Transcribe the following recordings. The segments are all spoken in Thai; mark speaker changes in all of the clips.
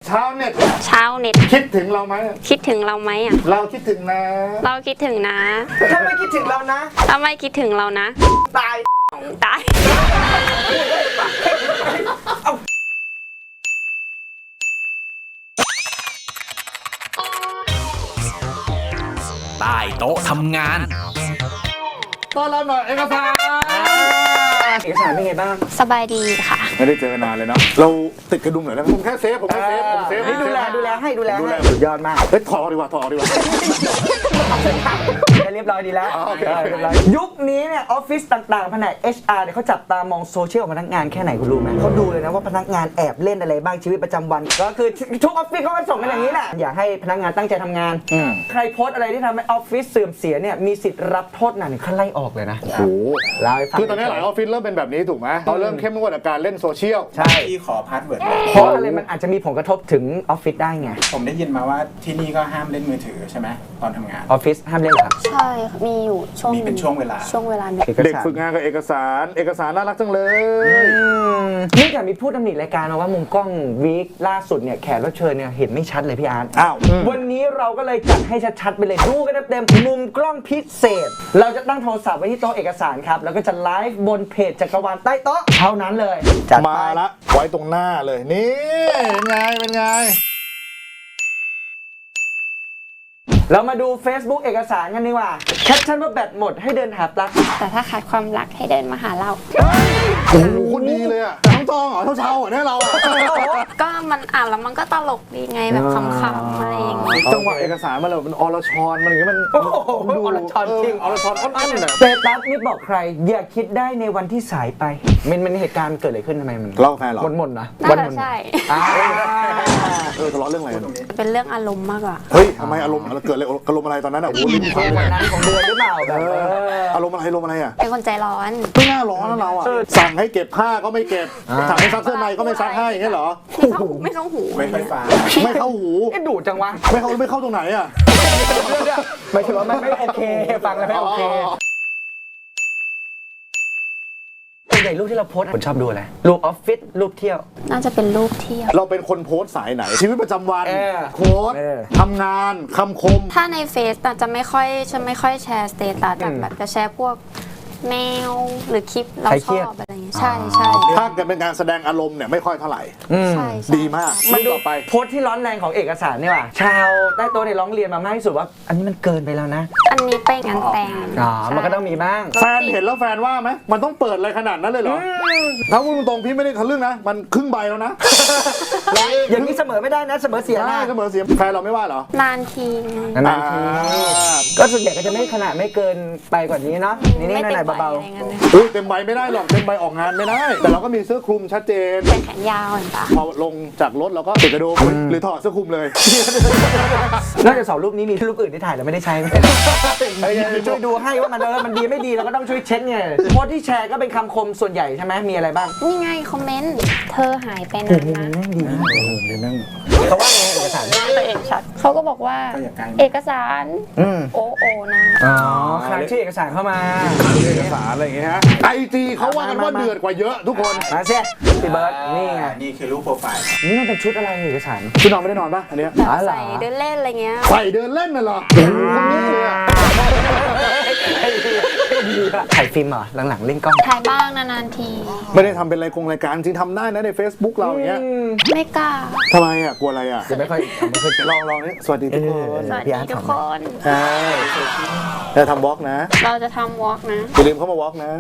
Speaker 1: ชาวเน็ต
Speaker 2: คิดถึงเราไหม
Speaker 1: คิดถึงเราไหมอ่ะ
Speaker 2: เราคิดถึงนะ
Speaker 1: เราคิดถึงนะ
Speaker 3: ถ้าไม่คิดถึงเรานะ
Speaker 1: ถ้าไม่คิดถึงเรานะ
Speaker 3: ตาย
Speaker 4: ใต้โต๊ะทำงาน
Speaker 2: ต้อนรับหน่อยเอกสาร
Speaker 3: เป็นไงบ้าง
Speaker 1: สบายดีค่ะ
Speaker 2: ไม่ได้เจอกันนานเลยเนาะเราติดกระดุมหน่อยนะผมแค่เซฟผมเซฟ
Speaker 3: ให้ดูแลให้สุดยอดมาก
Speaker 2: เฮ้ยถอดดีกว่า
Speaker 3: เรียบร้อยดีแล้วยุคนี้เนี่ยออฟฟิศต่างๆแผนก HR เนี่ยเขาจับตามองโซเชียลพนักงานแค่ไหนคุณรู้ไหมเขาดูเลยนะว่าพนักงานแอบเล่นอะไรบ้างชีวิตประจำวันก็คือทุกออฟฟิศเขาก็ส่งกันอย่างนี้แหละอยากให้พนักงานตั้งใจทำงานใครโพสอะไรที่ทำให้ออฟฟิศเสื่อมเสียเนี่ยมีสิทธิ์รับโทษหนักขั้นไล่ออกเลยนะ
Speaker 2: โอ้โหคือตอนนี้หลายออฟฟิศเริ่มเป็นแบบนี้ถูกไหมเขาเริ่มเข้มงวดกับการเล่นโซเชียล
Speaker 3: ใช่
Speaker 5: ที่ขอพาสเวิร์ด
Speaker 3: เพราะอะไรมันอาจจะมีผลกระทบถึงออฟฟิศได้ไง
Speaker 5: ผมได้ยินมาว่าที่นี่ก็ห้ามเล่นมือถือใช่ไหมตอนทำงาน
Speaker 3: ออฟฟิศห้ามเล่นเหรอครับ
Speaker 1: ใช่มีอยู่
Speaker 5: มีเป็นช่วงเวลา
Speaker 1: เ
Speaker 2: ด็กฝึกงานกับเอกสารน่ารักจังเลย
Speaker 3: นี่แต่มีพูดตำหนิรายการมาว่ามุมกล้องวีคล่าสุดเนี่ยแขกรับเชิญเนี่ยเห็นไม่ชัดเลยพี่อาร์ตวันนี้เราก็เลยจัดให้ชัดๆไปเลยดูกันเต็มมุมกล้องพิเศษเราจะตั้งโทรศัพท์ไว้ที่โต๊ะเอกสารครับแล้วก็จะไลฟ์บนเพจจักรวาลใต้โต๊ะเท่านั้นเลย
Speaker 2: มาละไว้ตรงหน้าเลยนี่เป็นไง
Speaker 3: เรามาดู Facebook เอกสารกันดีกว่าแคปชั่นว่าแบตหมดให้เดินหาปลั๊ก
Speaker 1: แต่ถ้าขาดความรักให้เดินมาหาเรา
Speaker 2: โอ้โหคนดีเลยอ่ะแต่ต้องจองเหรอเช้าเนี่ยเรา
Speaker 1: ก็มันอ่านแล้วมันก็ตลกดีไงแบบคำๆอะไรอย่างเงี้ย
Speaker 2: จังหวะเอกสารมันอรชรมันอย่างเงี้ยมัน
Speaker 3: ดูอรชรจริง
Speaker 2: อรชรอ้อนๆเนี่ย
Speaker 3: สเตตัสนี่บอกใครอย่าคิดได้ในวันที่สายไปมันเหตุการณ์เกิดอะไรขึ้นทำไมมัน
Speaker 2: เล่าแฟนหรอ
Speaker 3: หม่นนะ
Speaker 1: น่าจะใช่
Speaker 2: ทะเลาะเรื่องอะไร
Speaker 1: เป็นเรื่องอารมณ์มากกว่า
Speaker 2: เฮ้ยทำไมอารมณ์เกิดอะไรอารมณ์อะไรตอนนั้นอ่ะโอ้โหลิ้นพัน
Speaker 3: วันนั้นของเดือนหรือเปล่าแบบ
Speaker 2: อารมณ์อะไรอ่ะ
Speaker 1: เป็นคนใจร้อน
Speaker 2: ไม่น่าร้อนนะเราอ่ะสั่งให้เก็บผ้าก็ไม่เก็บสั่งให้ซักเสื้อในก็ไม่ซักให้อย่างเงี้ยเหรอ
Speaker 1: ไม่เข้าหู
Speaker 5: ไม่ค่อยฟัง
Speaker 2: ไม่เข้าหู
Speaker 3: ดุจังวะ
Speaker 2: ไม่เข้าตรงไหนอ่ะ
Speaker 3: ไม่ใช่ว่าไม่โอเคฟังแล้วไม่โอเคส่วนใหญ่รูปที่เราโพสต์คนชอบดูอะไรรูปออฟฟิศรูปเที่ยว
Speaker 1: น่าจะเป็นรูปเที่ยว
Speaker 2: เราเป็นคนโพสต์สายไหนชีวิตประจำวันโพสต์ทำงานคำคม
Speaker 1: ถ้าในเฟซจะไม่ค่อยแชร์สเตตัสแบบจะแชร์พวกแมวหรือคลิปเราชอบอะไรอย่างเงี้ยใช่
Speaker 2: ถ้าเกิดเป็นการแสดงอารมณ์เนี่ยไม่ค่อยเท่าไหร่
Speaker 1: ใช่
Speaker 2: ดีมาก
Speaker 3: มันต่อไปโพสต์ที่ร้อนแรงของเอกสารนี่ว่ะชาวใต้โต๊ะเนี่ยร้องเรียนมามากที่สุดว่าอันนี้มันเกินไปแล้วนะ
Speaker 1: อันนี้ไปงานแต่ง
Speaker 3: มันก็ต้องมีบ้าง
Speaker 2: แฟนเห็นแล้วแฟนว่าไหมมันต้องเปิดอะไรขนาดนั้นเลยเหรอถ้าพูดตรงๆพี่ไม่ได้ทะลึ่งนะมันครึ่งใบแล้วนะ
Speaker 3: อย่างนี้เสมอไม่ได้นะเสมอเสียนะ
Speaker 2: เสมอเสียแฟนเราไม่ว่าเหรอน
Speaker 1: านที
Speaker 3: ก็ส่วนใหญ่ก็จะไม่ขนาดไม่เกินไปกว่านี้เนาะนี่หน่อยเบา
Speaker 2: เต็มใบไม่ได้หรอกเต็มใบออกงานไม่ได้แต่เราก็มีเสื้อคลุมชัดเจน
Speaker 1: เป็นแขนยาวเห็นปะ
Speaker 2: พอลงจากรถเราก็ติดกระดุมหรือถอดเสื้อคลุมเลย
Speaker 3: นอกจาก2รูปนี้มีรูปอื่นที่ถ่ายแล้วไม่ได้ใช้ไหมช่วยดูให้ว่ามันดีไม่ดีเราก็ต้องช่วยเช็คไงโพสที่แชร์ก็เป็นคำคมส่วนใหญ่ใช่ไหมมีอะไรบ้าง
Speaker 1: นี่ไงคอมเมนต์เธอหายไปนานนะ
Speaker 3: ดีเขาว่าไงเอกสาร
Speaker 1: ตัวเองชัดเขาก็บอกว่าเอกสารโอนะ
Speaker 3: ครั้งชื่อเอกสารเข้ามา
Speaker 2: เอกสารอะไรอย่างเงี้ยฮะIGเขาว่ากันว่าเดือดกว่าเยอะทุกคน
Speaker 3: มาเสียพี่เบิร์ดนี่ไง
Speaker 5: นี่คือรูปโปรไฟล์
Speaker 3: นี่มันเป็นชุดอะไรเอกสาร
Speaker 2: ชุดนอนไม่ได้นอนป่ะอันเนี้ย
Speaker 1: ใส่เดินเล่นอะไรเงี้ย
Speaker 2: ใส่เดินเล่นน่ะเหรอคนนี้เลยอ่ะ
Speaker 3: ถ่ายฟิล์มเหรอหลังๆเล่นกล้อง
Speaker 1: ถ่ายบ้างนานๆที
Speaker 2: ไม่ได้ทำเป็นรายการจริงทำได้นะใน Facebook เราอย่างเงี้ย
Speaker 1: ไม่กล้า
Speaker 2: ทำไมอ่ะกลัวอะไรอ่ะ
Speaker 3: ไม่ค่อย
Speaker 2: ลองนี่สวัสดีทุกคน
Speaker 1: สวัสดีทุกคน
Speaker 2: จะทำวอล์กนะ
Speaker 1: เราจะทำวอล์กนะ
Speaker 2: อย่าลืมเข้ามาวอล์กนะ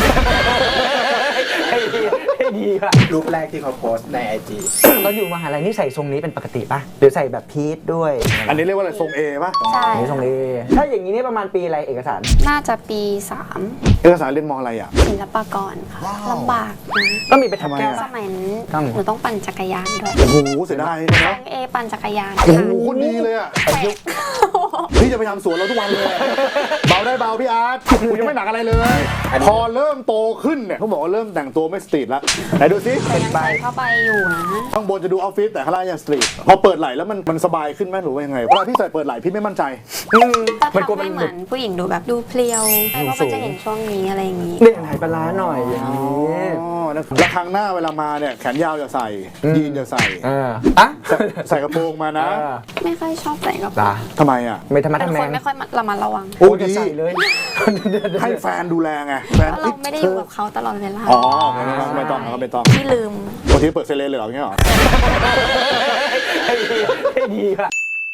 Speaker 3: ให้ดีค่ะ
Speaker 5: รูปแรกที่เขาโพสต์ใน IG
Speaker 3: เราอยู่มหาลัยนี่ใส่ทรงนี้เป็นปกติป่ะหรือใส่แบบพีทด้วย
Speaker 2: อันนี้เรียกว่าอะไรทรง A ป่ะ
Speaker 1: ใช่
Speaker 3: ทรง A ถ้าอย่างนี้นี่ประมาณปีอะไรเอกสาร
Speaker 1: น่าจะปี
Speaker 2: 3เอกสารเรียนมอะไรอ่ะ
Speaker 1: ศิลปากรค่ะลำบากนะ
Speaker 3: ก็มีไปทำแก้ว
Speaker 1: สมัยหนูต้องปั่นจักรยานด้วย
Speaker 2: โอ้โหเสียดายนะ
Speaker 1: เอปั่นจักรยาน
Speaker 2: โอ้โหคนดีเลยอ่ะพี่จะไปทำสวนเราทุกวันเลยเบาได้เบาพี่อาร์ตกูยังไม่หนักอะไรเลยพอเริ่มโตขึ้นเนี่ยเขาบอกว่าเริ่มแต่งตัวไม่สตรีทแล้วไหนดูซิ
Speaker 1: เป็นใบเข้าไปอยู่นะ
Speaker 2: ข้างบนจะดูออฟฟิศแต่ข้างล่างยังสตรีทพอเปิดไหล่แล้วมันสบายขึ้นไหมหรือว่ายังไงเวลาพี่ใส่เปิดไหล่พี่ไม่มั่นใจ
Speaker 1: มันกลัวมันเหมือนผู้หญิงดูแบบดูเพลียวเพราะมันจะเห็นช่วงนี้อะไรอย่างนี้
Speaker 3: เล่นหายปลาหน่อยอย่างนี้
Speaker 2: นะแล้วครั้งหน้าเวลามาเนี่ยแขนยาวอย่าใส่ยีนอย่าใส่
Speaker 3: อ่ะ
Speaker 2: ใส่กระโปรงมานะ
Speaker 1: ไม่ค่อยชอบใส่กระโปรง
Speaker 2: ทำไมอ่ะ
Speaker 3: ไม่ธรรมะ
Speaker 1: เป็น
Speaker 3: ทำแม
Speaker 1: คน
Speaker 3: ง
Speaker 1: ไม่ค่อยระมัดระวัง
Speaker 2: โอ้
Speaker 3: จะ
Speaker 2: ดี
Speaker 3: ใส่เลย
Speaker 2: ให้แฟนดูแลไงแฟน
Speaker 1: เพราะเราไม่ได้อยู่กับเขาตลอดเวลา
Speaker 2: อ๋อไม่ต้องไม่ต้อง
Speaker 1: ที่ลืม
Speaker 2: บางทีเปิดเซเลนเลยเหรอเงี้ยเหรอ
Speaker 3: ให้ดีอ่ะ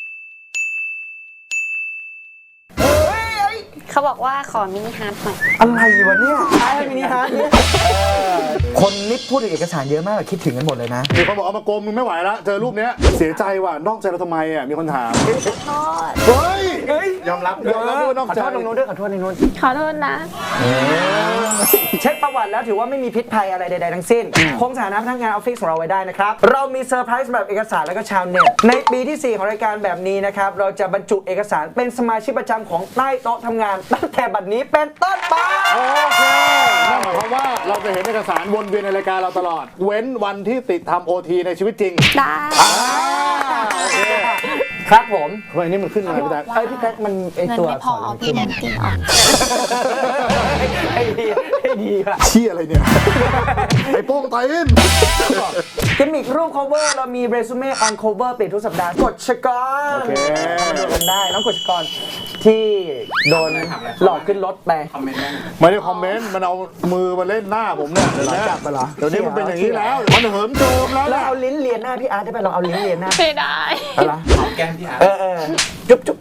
Speaker 1: เขาบอกว่าขอมินิฮาร์ทหน่อย
Speaker 3: อะไรวะเนี่ยใช่มินิฮาร์ทเนี่ยคนนิดพูดถึงเอกสารเยอะมากคิดถึงกันหมดเลยนะ
Speaker 2: มีคนบอกเอามาโกงมึงไม่ไหวละเจอรูปเนี้ยเสียใจว่ะนอกใจเราทำไมอ่ะมีคนถาม
Speaker 1: โทษ
Speaker 2: เฮ้ย
Speaker 5: ยอมรับ
Speaker 2: ยอมรับว่านอก
Speaker 3: ขอ
Speaker 2: ใจ
Speaker 3: โทษตรงนู้นด้วยขอโทษในนู้น
Speaker 1: ขอโทษนะ
Speaker 3: เช็คประวัติแล้วถือว่าไม่มีพิษภัยอะไรใดๆทั้งสิ้นคงสถานะพนักงานออฟฟิศของเราไว้ได้นะครับเรามีเซอร์ไพรส์สำหรับเอกสารและก็ชาวเน็ตในปีที่ 4 ของรายการแบบนี้นะครับเราจะบรรจุเอกสารเป็นสมาชิกประจำของใต้โต๊ะทำงานตั้งแต่บัดนี้เป็นต้นไป
Speaker 2: โอเคนั่นหมายความว่าเราจะเห็นเอกสารวนเวียนในรายการเราตลอด เว้นวันที่ติดทำโอทีในชีวิตจริง
Speaker 1: ได้
Speaker 2: โอเค
Speaker 3: ครับผม
Speaker 2: เฮ้ยนี่มันขึ้นมาพี่แจ๊ค
Speaker 3: พี่แท็กมันไอ
Speaker 1: เงิน
Speaker 3: ตัว
Speaker 1: ไม่พอเอาพี่นันกินออก
Speaker 3: ไอ้ดีอะ
Speaker 2: เชี่ยอะไรเนี่ย ไอ้โป้งไตน
Speaker 3: กิมมิกรูป cover เรามี resume on cover เปลี่ยนทุกสัปดาห์กดชกร
Speaker 2: โอเค
Speaker 3: มาดูกันได้น้องกดชกรที่โดนหลอกขึ้นรถไป
Speaker 5: คอมเมนต์ได้ไหม
Speaker 2: ไม่ได้คอมเมนต์มันเอามือมาเล่นหน้าผมเนี่ยเดี๋ยวนี้
Speaker 3: จับมาเหรอ
Speaker 2: เดี๋ยวนี้มันเป็นอย่างนี้แล้วมันเหิมโจมแล้ว
Speaker 3: แล้ว
Speaker 2: นะ
Speaker 3: เอาลิ้นเลียนหน้าพี่อาร์ตได้ไหมลองเอาลิ้นเลียนหน้า
Speaker 1: ไม่ได้
Speaker 3: อะไร
Speaker 5: เอาแก้มพี่อาร์ต
Speaker 3: จุ๊บจุ๊บ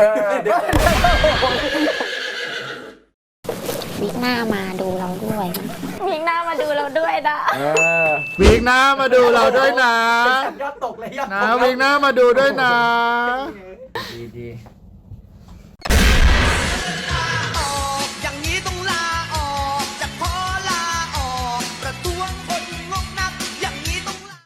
Speaker 1: วิกหน้ามาดูเราด้วยนะวิกหน้ามาดูเราด้วยนะ
Speaker 2: วีกหน้ามาดูเราด้วยนะ
Speaker 3: ยอดตกเลยยอด
Speaker 2: นะวีกหน้ามาดูด้วยนะ
Speaker 3: ดี